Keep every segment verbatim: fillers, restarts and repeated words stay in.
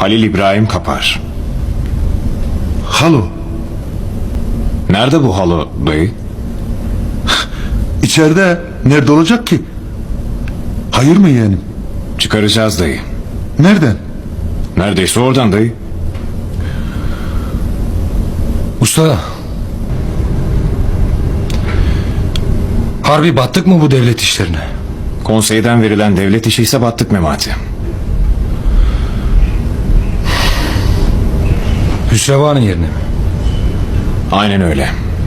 Halil İbrahim Kapar. Halo. Nerede bu halo dayı? İçeride. Nerede olacak ki? Hayır mı yeğenim? Çıkaracağız dayı. Nereden? Neredeyse oradan dayı. Usta. Harbi battık mı bu devlet işlerine? Konseyden verilen devlet işi ise battık Memati. Hüsrevanın yerine mi? Aynen öyle.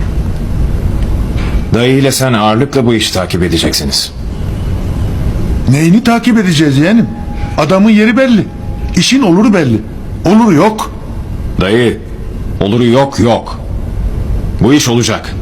Dayı ile sen ağırlıkla bu işi takip edeceksiniz. Neyini takip edeceğiz yeğenim? Adamın yeri belli. İşin oluru belli. Oluru yok. Dayı, oluru yok yok. Bu iş olacak.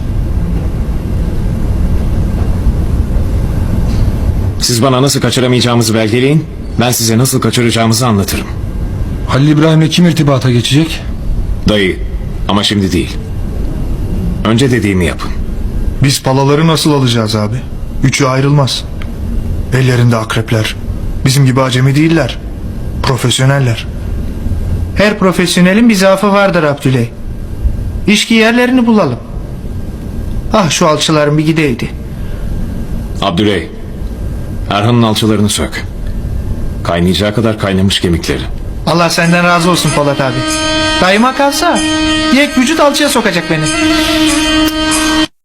Siz bana nasıl kaçıramayacağımızı belgeleyin. Ben size nasıl kaçıracağımızı anlatırım. Halil İbrahim'le kim irtibata geçecek? Dayı, ama şimdi değil. Önce dediğimi yapın. Biz palaları nasıl alacağız abi? Üçü ayrılmaz. Ellerinde akrepler. Bizim gibi acemi değiller. Profesyoneller. Her profesyonelin bir zaafı vardır Abdüley. İşki yerlerini bulalım. Ah şu alçıların bir gideydi. Abdüley, Erhan'ın alçılarını sök. Kaynayacağı kadar kaynamış kemikleri. Allah senden razı olsun Polat abi. Dayıma kalsa yek vücut alçıya sokacak beni.